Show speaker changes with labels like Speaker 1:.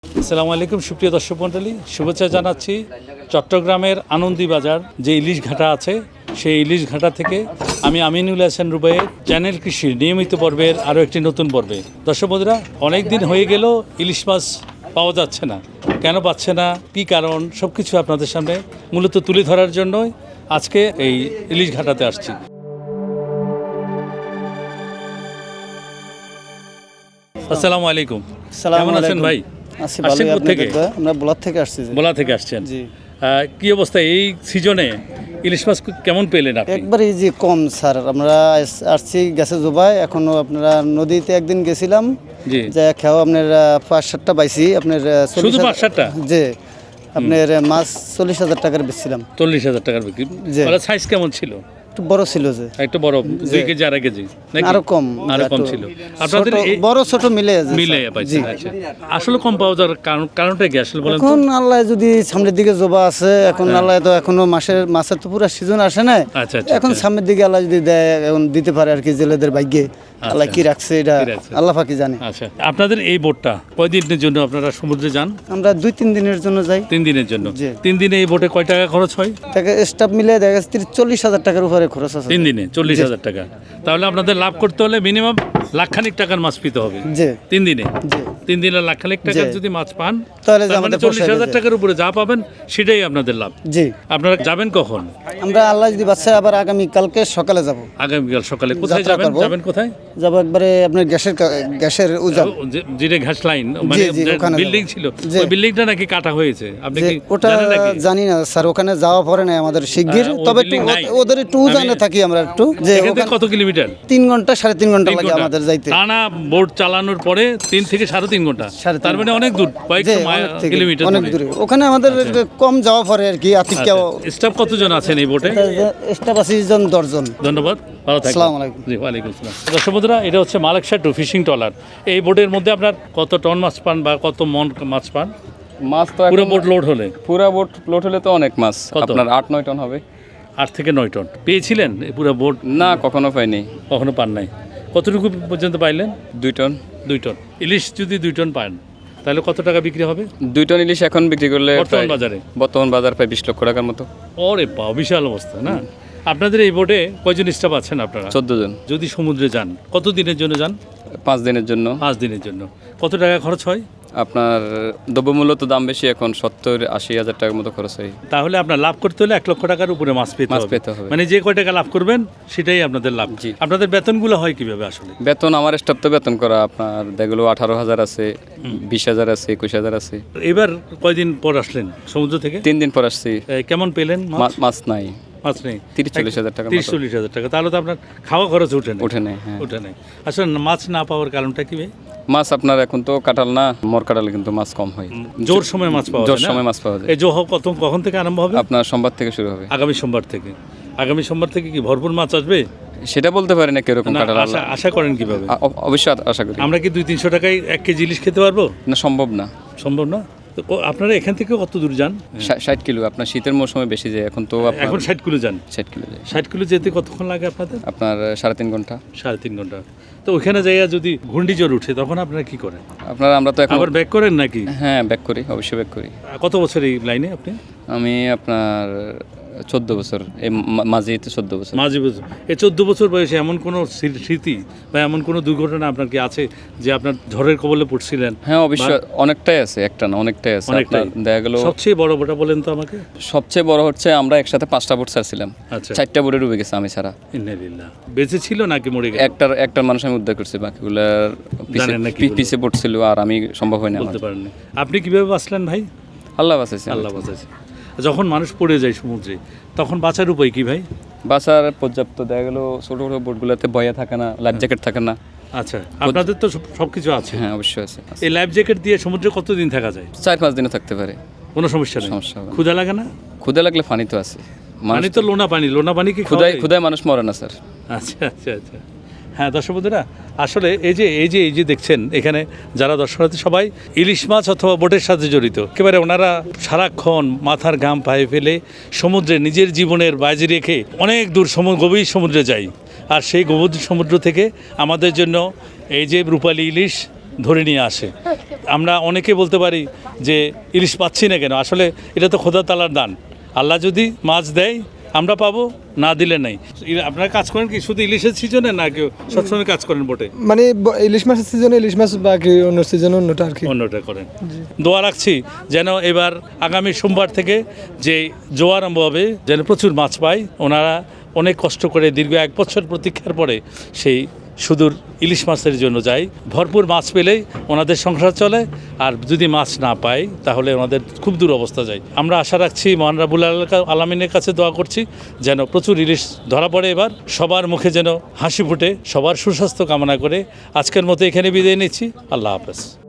Speaker 1: আসসালামু আলাইকুম সুপ্রিয় দর্শক মণ্ডলী, শুভেচ্ছা জানাচ্ছি। চট্টগ্রামের আনন্দী বাজার যে ইলিশ ঘাটা আছে, সেই ইলিশ ঘাটা থেকে আমি আমিনুল হাসান রুবাইয়ের চ্যানেল কৃষির নিয়মিত পর্বের আরও একটি নতুন পর্বে। দর্শক বন্ধুরা, অনেক দিন হয়ে গেল ইলিশ মাছ পাওয়া যাচ্ছে না। কেন পাচ্ছে না, কী কারণ, সব কিছু আপনাদের সামনে মূলত তুলে ধরার জন্যই আজকে এই ইলিশ ঘাটাতে আসছি। আসসালামু আলাইকুম, কেমন আছেন ভাই? আসছেন কোথেকে?
Speaker 2: আমরা বোলা থেকে আসছি।
Speaker 1: বোলা থেকে আসছেন?
Speaker 2: জি।
Speaker 1: কি অবস্থা এই সিজনে ইলিশ মাছ কেমন পেলেন আপনি?
Speaker 2: একবারে যে কম স্যার, আমরা আসছি গেছে জোবাই, এখনো আপনারা নদীতে একদিন গেছিলাম,
Speaker 1: জি,
Speaker 2: যে খেও আপনার 5-7টা পাইছি আপনার
Speaker 1: শুধু 5-7টা?
Speaker 2: জি, আপনার মাছ 40,000 টাকার বেচছিলাম।
Speaker 1: 40,000 টাকার বিক্রি।
Speaker 2: জি।
Speaker 1: সাইজ কেমন ছিল?
Speaker 2: একটু বড় ছিল, যে
Speaker 1: একটু বড়, 2 কেজি 2.5 কেজি নাকি?
Speaker 2: আরো কম,
Speaker 1: আরো কম ছিল। আপনাদের
Speaker 2: বড় ছোট মিলে
Speaker 1: মিলে পাইছেন? আচ্ছা, আসলে কম পাওয়া যাওয়ার কারণটা কি আসলে বলেন তো?
Speaker 2: এখন আল্লাহ যদি সামনের দিকে জোবা আছে, এখন আল্লাহ তো এখনো মাছের তো পুরো সিজন আসে না।
Speaker 1: আচ্ছা, আচ্ছা,
Speaker 2: এখন সামনের দিকে আল্লাহ যদি দেয়, এখন দিতে পারে আর কি, জেলেদের ভাগ্যে আল্লাহ কি রাখছে এটা আল্লাহ পাকি জানে।
Speaker 1: আচ্ছা, আপনাদের এই বোটটা কয়দিনের জন্য আপনারা সমুদ্রে যান?
Speaker 2: আমরা 2-3 দিনের জন্য যাই।
Speaker 1: 3 দিনের জন্য?
Speaker 2: জি।
Speaker 1: 3 দিনে এই বোটে কয় টাকা খরচ হয়?
Speaker 2: স্টাফ মিলে দেখা যাচ্ছে 40,000 টাকার উপরে খরচ আছে।
Speaker 1: 3 দিনে 40,000 টাকা। তাহলে আপনাদের লাভ করতে হলে মিনিমাম লাখখানিক টাকার মাছ পেতে হবে।
Speaker 2: জি
Speaker 1: 3 দিনে?
Speaker 2: জি।
Speaker 1: 3 দিনে লাখখানিক টাকার যদি মাছ পান,
Speaker 2: তাহলে
Speaker 1: তার মানে 40,000 টাকার উপরে যা পাবেন সেটাই আপনাদের লাভ।
Speaker 2: জি।
Speaker 1: আপনারা যাবেন কখন?
Speaker 2: আমরা আল্লাহ যদি বাচ্চা আবার আগামী কালকে সকালে যাব।
Speaker 1: আগামীকাল সকালে? কোথায় যাবেন? যাবেন কোথায়?
Speaker 2: যাব একবারে আপনার গ্যাসের উজান,
Speaker 1: যেটা ঘাস লাইন, মানে বিল্ডিং ছিল, ওই বিল্ডিংটা নাকি কাটা হয়েছে, আপনি কি
Speaker 2: ওটা
Speaker 1: জানেন নাকি?
Speaker 2: জানি না স্যার, ওখানে যাওয়া পরে না আমাদের শিগগির, তবে একটু ওদের একটু উজানে থাকি আমরা একটু, যে
Speaker 1: এখান থেকে কত কিলোমিটার?
Speaker 2: 3 ঘন্টা 3.5 ঘন্টা লাগে আমাদের যাইতে।
Speaker 1: টানা বোট চালানোর পরে 3 থেকে 3.5 ঘন্টা, তার মানে অনেক দূর, কয়েকশো কিলোমিটার,
Speaker 2: অনেক দূরে। ওখানে আমাদের কম যাওয়া পরে আর কি।
Speaker 1: স্টাফ কতজন আছেন এই বোটে?
Speaker 2: স্টাফ আছে 10 জন।
Speaker 1: ধন্যবাদ, ভালো থাকবেন।
Speaker 2: আসসালামু আলাইকুম।
Speaker 1: জি, ওয়ালাইকুম আসসালাম। দর্শক বন্ধুরা, এটা হচ্ছে মালেকশা টু ফিশিং ট্রলার। এই বোটের মধ্যে আপনার কত টন মাছ পান বা কত মন মাছ পান?
Speaker 3: মাছ তো
Speaker 1: পুরো বোট লোড হলে?
Speaker 3: পুরো বোট লোড হলে তো অনেক মাছ,
Speaker 1: কত?
Speaker 3: আপনার 8-9 টন হবে।
Speaker 1: 8 থেকে 9 টন পেয়েছিলেন এই পুরো বোট?
Speaker 3: না, কখনো পাইনি।
Speaker 1: কখনো পান নাই? কতটুকু পর্যন্ত পাইলেন?
Speaker 3: 2 টন।
Speaker 1: 2 টন ইলিশ যদি 2 টন পান, তাহলে কত টাকা বিক্রি হবে
Speaker 3: 2 টন ইলিশ এখন বিক্রি করলে
Speaker 1: বর্তমান
Speaker 3: বাজার প্রায় 20 লক্ষ টাকার মতো।
Speaker 1: ওরে বাবা, বিশাল অবস্থা না? আপনাদের এই বোটে কয়জন স্টাফ আছেন আপনারা?
Speaker 3: 14 জন।
Speaker 1: যদি সমুদ্রে যান, কত দিনের জন্য যান?
Speaker 3: 5 দিনের জন্য।
Speaker 1: 5 দিনের জন্য কত টাকা খরচ হয়?
Speaker 3: আপনার দ্রব্যমূল্য তো দাম বেশি, এখন 70-80 হাজার টাকার মতো খরচ হয়।
Speaker 1: তাহলে আপনার লাভ করতে হলে 1 লক্ষ টাকার উপরে মাছ পেতে হবে। মানে যে কয় টাকা লাভ করবেন সেটাই আপনাদের লাভ।
Speaker 3: জি।
Speaker 1: আপনাদের বেতনগুলো হয় কিভাবে আসলে?
Speaker 3: বেতন আমার স্টাফ তো বেতন করা আপনার দেখলো 18,000 আছে, 20,000 আছে, 21,000 আছে।
Speaker 1: এবার কয়দিন পর আসলেন সমুদ্র থেকে?
Speaker 3: 3 দিন পর আসছি।
Speaker 1: কেমন পেলেন মাছ?
Speaker 3: মাছ নাই,
Speaker 1: মাছ নেই।
Speaker 3: 30-40 হাজার টাকা।
Speaker 1: 30-40 হাজার টাকা, তাহলে তো আপনার খাওয়া খরচ উঠে
Speaker 3: নেই। হ্যাঁ,
Speaker 1: উঠে নেই। আসলে মাছ না পাওয়ার কারণটা কি?
Speaker 3: মাছ আপনার এখন তো কাটাল না, মর কাটালে কিন্তু মাছ কম হয়।
Speaker 1: জোর সময় মাছ পাওয়া যায়।
Speaker 3: জোর সময় মাছ পাওয়া যায়।
Speaker 1: এই জোহ কখন থেকে আরম্ভ হবে?
Speaker 3: আপনার সোমবার থেকে শুরু হবে।
Speaker 1: আগামী সোমবার থেকে? আগামী সোমবার থেকে কি ভরপুর মাছ আসবে?
Speaker 3: সেটা বলতে পারি না কিরকম কাটাল।
Speaker 1: আশা করেন কিভাবে?
Speaker 3: অবশ্যই আশা করি।
Speaker 1: আমরা কি 200-300 টাকায় 1 কেজি ইলিশ খেতে পারবো?
Speaker 3: না, সম্ভব না।
Speaker 1: সম্ভব না? তো আপনারা এখান থেকে কত দূর যান?
Speaker 3: 60 কিলো। আপনার শীতের মৌসুমে বেশি যায়, এখন তো
Speaker 1: এখন 60 কিলো যান?
Speaker 3: 60 কিলো যায়।
Speaker 1: 60 কিলো যেতে কতক্ষণ লাগে আপনাদের?
Speaker 3: আপনার 3.5 ঘন্টা।
Speaker 1: 3.5 ঘন্টা। তো ওইখানে যাইয়া যদি ঘূর্ণিঝড় উঠে, তখন আপনারা কি করেন?
Speaker 3: আমরা তো এখন
Speaker 1: আবার ব্যাক করেন নাকি?
Speaker 3: হ্যাঁ, ব্যাক করি, অবশ্যই ব্যাক করি।
Speaker 1: কত বছর এই লাইনে আপনি?
Speaker 3: আমি আপনার 14 বছর, এই মাঝে 14 বছর।
Speaker 1: মাঝে বছর। এই 14 বছর বয়সে এমন কোনো স্মৃতি বা এমন কোনো দুর্ঘটনা আপনার কি আছে যে আপনার ঝড়ের কবলে পড়ছিলেন?
Speaker 3: হ্যাঁ, অবশ্যই অনেকটাই আছে, একটা না অনেকটাই আছে। দেখা গেল
Speaker 1: সবচেয়ে বড় বড়টা বলেন তো আমাকে।
Speaker 3: সবচেয়ে বড় হচ্ছে আমরা একসাথে 5টা বোট ছাড়ছিলাম। আচ্ছা। 4টা বোটে ডুবে গেছে আমি ছাড়া।
Speaker 1: ইন্নালিল্লাহ। বেঁচে ছিল নাকি মরে গেছে?
Speaker 3: একটার মানুষ আমি উদ্ধার করছি, বাকিগুলোর পিছে পড়ছিল আর আমি সম্ভব হয় না।
Speaker 1: বলতে পারেন না। আপনি কিভাবে বাঁচলেন ভাই?
Speaker 3: আল্লাহ বাঁচাইছে।
Speaker 1: আল্লাহ বাঁচাইছে। যখন মানুষ পড়ে যায় সমুদ্রে, তখন বাঁচার উপায় কি ভাই?
Speaker 3: বাঁচার পর্যাপ্ত দেখা গেল ছোট ছোট বোটগুলোতে বয়া থাকে না, লাইফ জ্যাকেট থাকে না।
Speaker 1: আচ্ছা, আপনাদের তো সবকিছু আছে?
Speaker 3: হ্যাঁ, অবশ্যই আছে।
Speaker 1: এই লাইফ জ্যাকেট দিয়ে সমুদ্রে কতদিন থাকা যায়?
Speaker 3: 4-5 দিনও থাকতে পারে,
Speaker 1: কোনো সমস্যা নেই। ক্ষুধা লাগে না?
Speaker 3: ক্ষুধা লাগলে পানি তো আছে।
Speaker 1: পানি তো লোনা পানি কি
Speaker 3: ক্ষুধায় মানুষ মরে না স্যার।
Speaker 1: আচ্ছা আচ্ছা আচ্ছা। হ্যাঁ দর্শক বন্ধুরা, আসলে এই যে দেখছেন এখানে যারা দর্শনার্থী সবাই ইলিশ মাছ অথবা বোটের সাথে জড়িত। একেবারে ওনারা সারাক্ষণ মাথার ঘাম পায়ে ফেলে সমুদ্রে নিজের জীবনের বাজি রেখে অনেক দূর গভীর সমুদ্রে যায়। আর সেই গভীর সমুদ্র থেকে আমাদের জন্য এই যে রূপালী ইলিশ ধরে নিয়ে আসে। আমরা অনেকে বলতে পারি যে ইলিশ পাচ্ছি না কেন, আসলে এটা তো খোদা তাআলার দান। আল্লাহ যদি মাছ দেয় আমরা পাবো, না দিলে নাই। আপনারা কাজ করেন কি শুধু ইলিশের সিজনে, না কেউ সবসময় কাজ করেন বোটে?
Speaker 4: মানে ইলিশ মাছের সিজনে ইলিশ মাছ, বাকি অন্য সিজনে অন্যটা আর কি।
Speaker 1: অন্যটা করেন। দোয়া রাখছি যেন এবার আগামী সোমবার থেকে যে জোয়ার আরম্ভ হবে যেন প্রচুর মাছ পায়। ওনারা অনেক কষ্ট করে দীর্ঘ 1 বছর প্রতীক্ষার পরে সেই সুদূর ইলিশ মাছের জন্য যায়। ভরপুর মাছ পেলেই ওনাদের সংসার চলে, আর যদি মাছ না পায় তাহলে ওনাদের খুব দূর অবস্থা যায়। আমরা আশা রাখছি মহান রাব্বুল আলামিনের কাছে দোয়া করছি যেন প্রচুর ইলিশ ধরা পড়ে এবার, সবার মুখে যেন হাসি ফুটে, সবার সুস্বাস্থ্য কামনা করে আজকের মতো এখানে বিদায় নিচ্ছি। আল্লাহ হাফেজ।